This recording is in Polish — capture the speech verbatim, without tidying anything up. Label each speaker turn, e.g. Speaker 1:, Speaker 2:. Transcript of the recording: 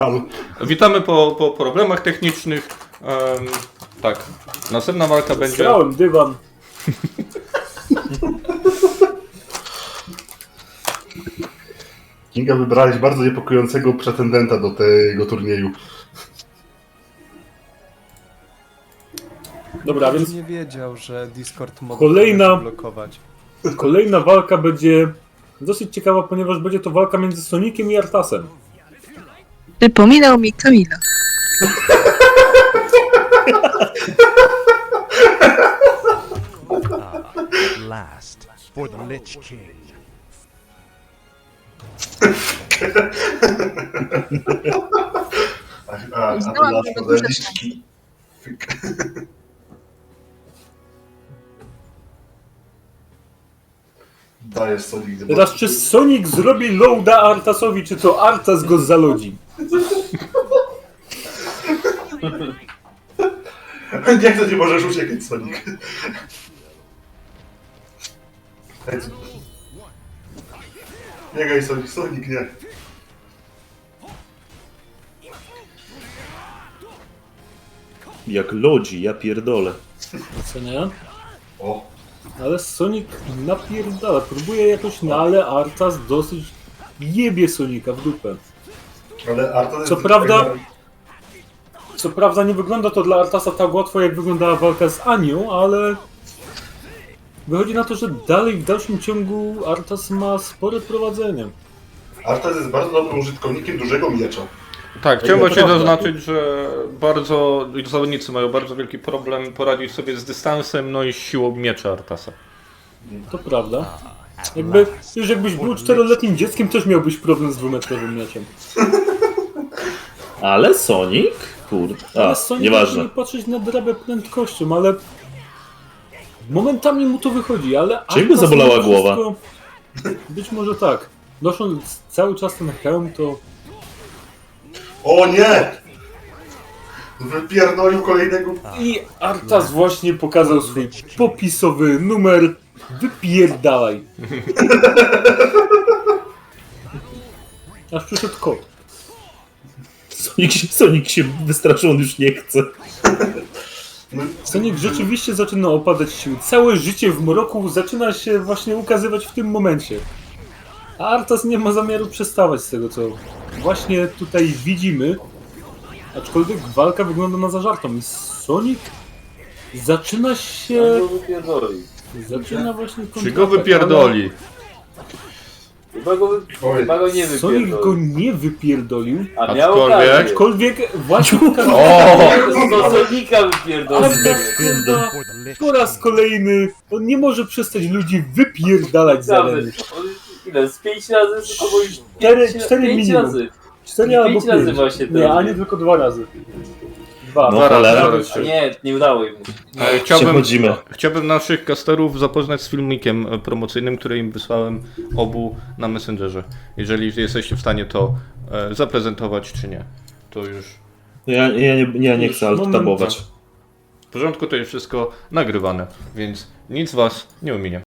Speaker 1: Witamy po, po problemach technicznych. Um, tak, następna walka będzie...
Speaker 2: Strałem dywan.
Speaker 3: Kinga, wybrałeś bardzo niepokojącego pretendenta do tego turnieju.
Speaker 2: Dobra, więc
Speaker 4: nie wiedział, że Discord może
Speaker 2: Kolejna-
Speaker 4: blokować.
Speaker 2: kolejna walka będzie dosyć ciekawa, ponieważ będzie to walka między Soniciem i Artasem.
Speaker 5: Przypominał mi Kamila.
Speaker 6: Last for the Lich King.
Speaker 3: A, a, a
Speaker 5: Znałam
Speaker 3: to
Speaker 5: tego
Speaker 3: nasz
Speaker 5: dużo
Speaker 3: modeliczki. Dajesz Sonic.
Speaker 2: Teraz czy Sonic zrobi loada Artasowi, czy to Artas go zalodzi?
Speaker 3: Jak to nie możesz uciekać, Sonic? Biegaj, Sonic, Sonic, nie.
Speaker 7: Jak lodzi, ja pierdolę.
Speaker 2: Co nie?
Speaker 3: O,
Speaker 2: Ale Sonic napierdala, próbuje jakoś, no ale Artas dosyć jebie Sonika w dupę.
Speaker 3: ale Arta...
Speaker 2: Co prawda- Co prawda nie wygląda to dla Artasa tak łatwo, jak wyglądała walka z Anią, ale wychodzi na to, że dalej w dalszym ciągu Artas ma spore prowadzenie.
Speaker 3: Artas jest bardzo dobrym użytkownikiem dużego miecza.
Speaker 1: Tak, chciałem
Speaker 2: to
Speaker 1: właśnie
Speaker 2: prawda.
Speaker 1: zaznaczyć, że bardzo zawodnicy mają bardzo wielki problem poradzić sobie z dystansem, no i siłą miecza Artasa.
Speaker 2: To prawda. Jakby, już jakbyś był czteroletnim dzieckiem, też miałbyś problem z dwumetrowym mieczem.
Speaker 7: Ale Sonic? Kurde.
Speaker 2: Ale
Speaker 7: A,
Speaker 2: Sonic
Speaker 7: nieważne.
Speaker 2: nie patrzeć na drabę prędkością, ale momentami mu to wychodzi, ale...
Speaker 7: Czy jakby
Speaker 2: Artas
Speaker 7: zabolała
Speaker 2: mimo
Speaker 7: głowa?
Speaker 2: wszystko- Być może tak. Nosząc cały czas ten hełm, to...
Speaker 3: O nie! Wypierdolił kolejnego...
Speaker 2: I Artas właśnie pokazał swój popisowy numer. Wypierdalaj. Aż przyszedł kot.
Speaker 7: Sonic się, Sonic się wystraszył, on już nie chce.
Speaker 2: Sonic rzeczywiście zaczyna opadać sił. Całe życie w mroku zaczyna się właśnie ukazywać w tym momencie. A Artas nie ma zamiaru przestawać z tego, co właśnie tutaj widzimy. Aczkolwiek walka wygląda na zażartą. I Sonic zaczyna się... Zaczyna właśnie...
Speaker 1: Czy go wypierdoli?
Speaker 8: Chyba go,
Speaker 3: Oj.
Speaker 8: chyba go nie
Speaker 2: ale Sonic go
Speaker 8: wypierdolił.
Speaker 2: nie wypierdolił.
Speaker 8: A miał
Speaker 1: Aczkolwiek-
Speaker 8: okazję.
Speaker 2: Aczkolwiek właśnie pokazał...
Speaker 8: Do Sonika wypierdolił.
Speaker 2: Artas kurwa
Speaker 6: For the Lich
Speaker 2: po raz kolejny on nie może przestać ludzi wypierdalać za
Speaker 8: Naprawdę.
Speaker 2: ręce.
Speaker 8: On Ile? Z pięć razy? Albo już
Speaker 2: Cztery-
Speaker 8: pięć,
Speaker 2: cztery
Speaker 8: pięć
Speaker 2: minimum.
Speaker 8: razy.
Speaker 2: Cztery albo
Speaker 8: Pięć razy
Speaker 2: pięć.
Speaker 8: właśnie
Speaker 2: Nie,
Speaker 8: teraz.
Speaker 2: a nie tylko dwa razy. Dwa.
Speaker 7: No,
Speaker 1: Dwa razy,
Speaker 7: cholera.
Speaker 1: dwa razy.
Speaker 8: A nie, nie udało im.
Speaker 1: E, Chciałbym,
Speaker 7: Przechodzimy.
Speaker 1: chciałbym naszych casterów zapoznać z filmikiem e, promocyjnym, który im wysłałem obu na Messengerze. Jeżeli jesteście w stanie to e, zaprezentować, czy nie, to już
Speaker 7: Ja, ja, nie, ja nie chcę
Speaker 2: Moment.
Speaker 7: alt-tabować.
Speaker 1: w porządku, to jest wszystko nagrywane, więc nic was nie ominie.